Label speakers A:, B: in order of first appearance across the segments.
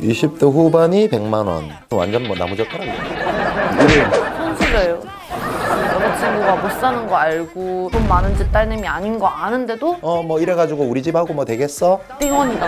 A: 20대 후반이 100만 원. 완전 뭐 나무젓가락이야.
B: 손실해요. 여자친구가 못 사는 거 알고 돈 많은 집 딸내미 아닌 거 아는데도
A: 뭐 이래가지고 우리 집하고 뭐 되겠어?
B: 띵원이다.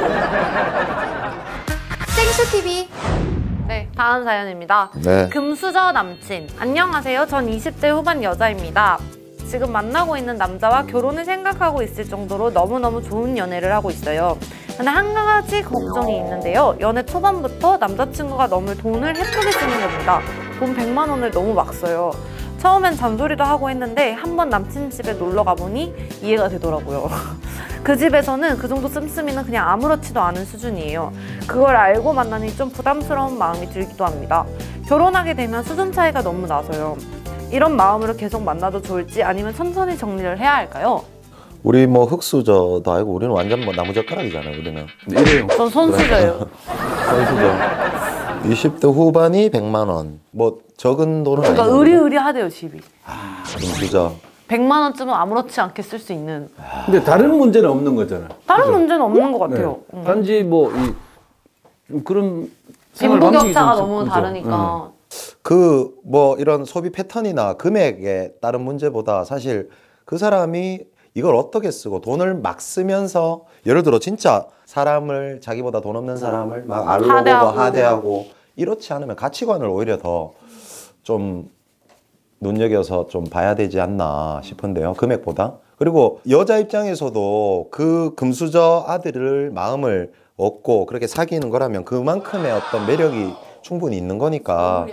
C: 생수TV.
B: 네, 다음 사연입니다.
A: 네.
B: 금수저 남친. 안녕하세요. 전 20대 후반 여자입니다. 지금 만나고 있는 남자와 결혼을 생각하고 있을 정도로 너무너무 좋은 연애를 하고 있어요. 근데 한 가지 걱정이 있는데요. 연애 초반부터 남자친구가 너무 돈을 헤프게 쓰는 겁니다. 돈 100만 원을 너무 막 써요. 처음엔 잔소리도 하고 했는데 한 번 남친 집에 놀러 가보니 이해가 되더라고요. 그 집에서는 그 정도 씀씀이는 그냥 아무렇지도 않은 수준이에요. 그걸 알고 만나니 좀 부담스러운 마음이 들기도 합니다. 결혼하게 되면 수준 차이가 너무 나서요. 이런 마음으로 계속 만나도 좋을지 아니면 천천히 정리를 해야 할까요?
A: 우리 뭐 흙수저도 아니고 우리는 완전 뭐 나무젓가락이잖아요. 우리는.
D: 이래요.
B: 전 손수저예요.
A: 선수죠. 20대 후반이 100만 원. 뭐 적은 돈은
B: 그러니까
A: 아니죠.
B: 의리의리하대요 집이.
A: 금수저.
B: 100만 원쯤은 아무렇지 않게 쓸 수 있는.
D: 근데 다른 문제는 없는 거잖아.
B: 다른
D: 그죠?
B: 문제는 없는 것 같아요.
D: 네. 단지 뭐 좀 그런
B: 빈부격차가 너무 다르니까.
A: 그 뭐 이런 소비 패턴이나 금액에 따른 문제보다 사실 그 사람이 이걸 어떻게 쓰고 돈을 막 쓰면서 예를 들어 진짜 사람을 자기보다 돈 없는 사람을 막 알로보고 하대하고 이렇지 않으면 가치관을 오히려 더 좀 눈여겨서 좀 봐야 되지 않나 싶은데요. 금액보다. 그리고 여자 입장에서도 그 금수저 아들을 마음을 얻고 그렇게 사귀는 거라면 그만큼의 어떤 매력이 충분히 있는 거니까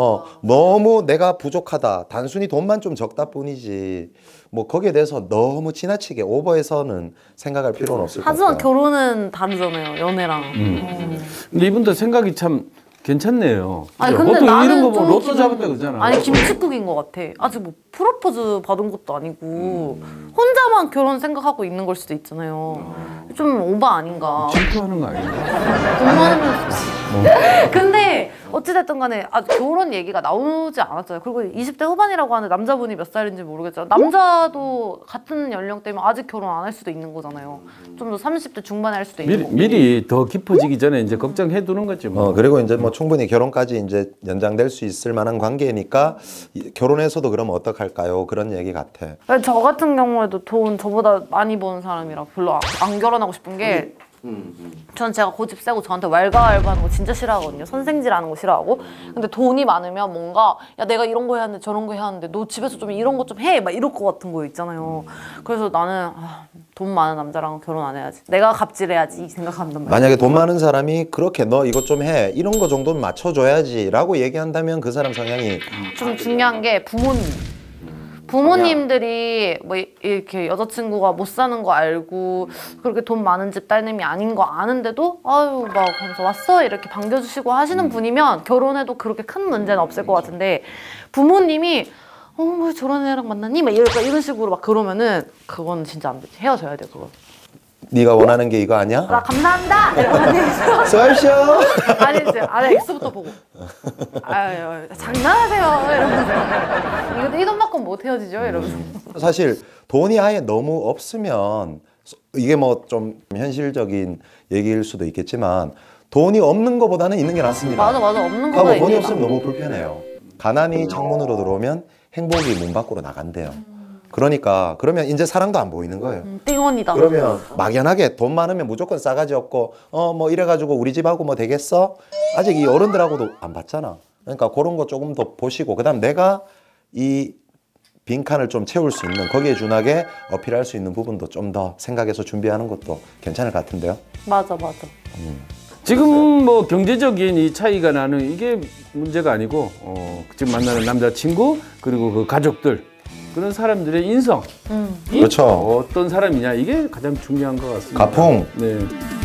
A: 너무 내가 부족하다 단순히 돈만 좀 적다 뿐이지 뭐 거기에 대해서 너무 지나치게 오버해서는 생각할 필요는 없을 것 같아요.
B: 하지만 결혼은 다르잖아요. 연애랑.
D: 근데 이분들 생각이 참 괜찮네요.
B: 아니
D: 그죠?
B: 근데
D: 보통
B: 나는
D: 이런 거 뭐
B: 좀
D: 로또 잡았다 그러잖아.
B: 아니 김칫국인 것 같아. 아직 뭐 프로포즈 받은 것도 아니고 혼자만 결혼 생각하고 있는 걸 수도 있잖아요. 좀 오바 아닌가.
D: 질투하는 거 아닌가?
B: 돈 많으면 좋지. 근데 어찌됐든 간에 아직 결혼 얘기가 나오지 않았잖아요. 그리고 20대 후반이라고 하는데 남자분이 몇 살인지 모르겠지만 남자도 같은 연령대면 아직 결혼 안 할 수도 있는 거잖아요. 좀 더 30대 중반에 할 수도 있는 거고.
D: 미리 더 깊어지기 전에 이제 걱정해 두는 거지 뭐.
A: 그리고 이제 뭐 충분히 결혼까지 이제 연장될 수 있을 만한 관계니까 결혼해서도 그러면 어떡할까요? 그런 얘기 같아.
B: 저 같은 경우에도 돈 저보다 많이 버는 사람이라 별로 안 결혼하고 싶은 게 전 제가 고집 세고 저한테 왈가왈부하는 거 진짜 싫어하거든요. 선생질하는 거 싫어하고. 근데 돈이 많으면 뭔가 야 내가 이런 거 해야 하는데 저런 거 해야 하는데 너 집에서 좀 이런 거 좀 해 막 이럴 것 같은 거 있잖아요. 그래서 나는 돈 많은 남자랑 결혼 안 해야지. 내가 갑질해야지 이 생각한단 말이야.
A: 만약에 돈 많은 사람이 그렇게 너 이것 좀 해 이런 거 정도는 맞춰줘야지 라고 얘기한다면 그 사람 성향이
B: 좀 중요한 게 부모님들이 뭐 이렇게 여자친구가 못 사는 거 알고 그렇게 돈 많은 집 딸내미 아닌 거 아는데도 아유 막 하면서 왔어 이렇게 반겨주시고 하시는 분이면 결혼해도 그렇게 큰 문제는 없을 것 같은데 부모님이 뭐 저런 애랑 만났니? 막 이런 식으로 막 그러면은 그건 진짜 안 되지. 헤어져야 돼 그거.
A: 네가 원하는 게 이거 아니야?
B: 나 감사합니다! 이러면
A: 쏘쇼!
B: 아니지. 안에 X부터 보고. 아유, 장난하세요. 이러면서. 이거 이 돈 받고 못 헤어지죠? 이러면서.
A: 사실 돈이 아예 너무 없으면 이게 뭐 좀 현실적인 얘기일 수도 있겠지만 돈이 없는 것보다는 있는 게 낫습니다.
B: 맞아. 없는
A: 하고
B: 거다.
A: 돈이 없으면 너무 불편해요. 가난이 창문으로 들어오면 행복이 문 밖으로 나간대요. 그러니까 그러면 이제 사랑도 안 보이는 거예요.
B: 띵원이다.
A: 그러면 막연하게 돈 많으면 무조건 싸가지 없고 뭐 이래가지고 우리 집하고 뭐 되겠어? 아직 이 어른들하고도 안 봤잖아. 그러니까 그런 거 조금 더 보시고 그다음 내가 이 빈칸을 좀 채울 수 있는 거기에 준하게 어필할 수 있는 부분도 좀 더 생각해서 준비하는 것도 괜찮을 것 같은데요.
B: 맞아.
D: 지금 뭐 경제적인 이 차이가 나는 이게 문제가 아니고 지금 만나는 남자친구 그리고 그 가족들 그런 사람들의 인성
A: 그렇죠.
D: 어떤 사람이냐 이게 가장 중요한 것 같습니다.
A: 가풍.
D: 네.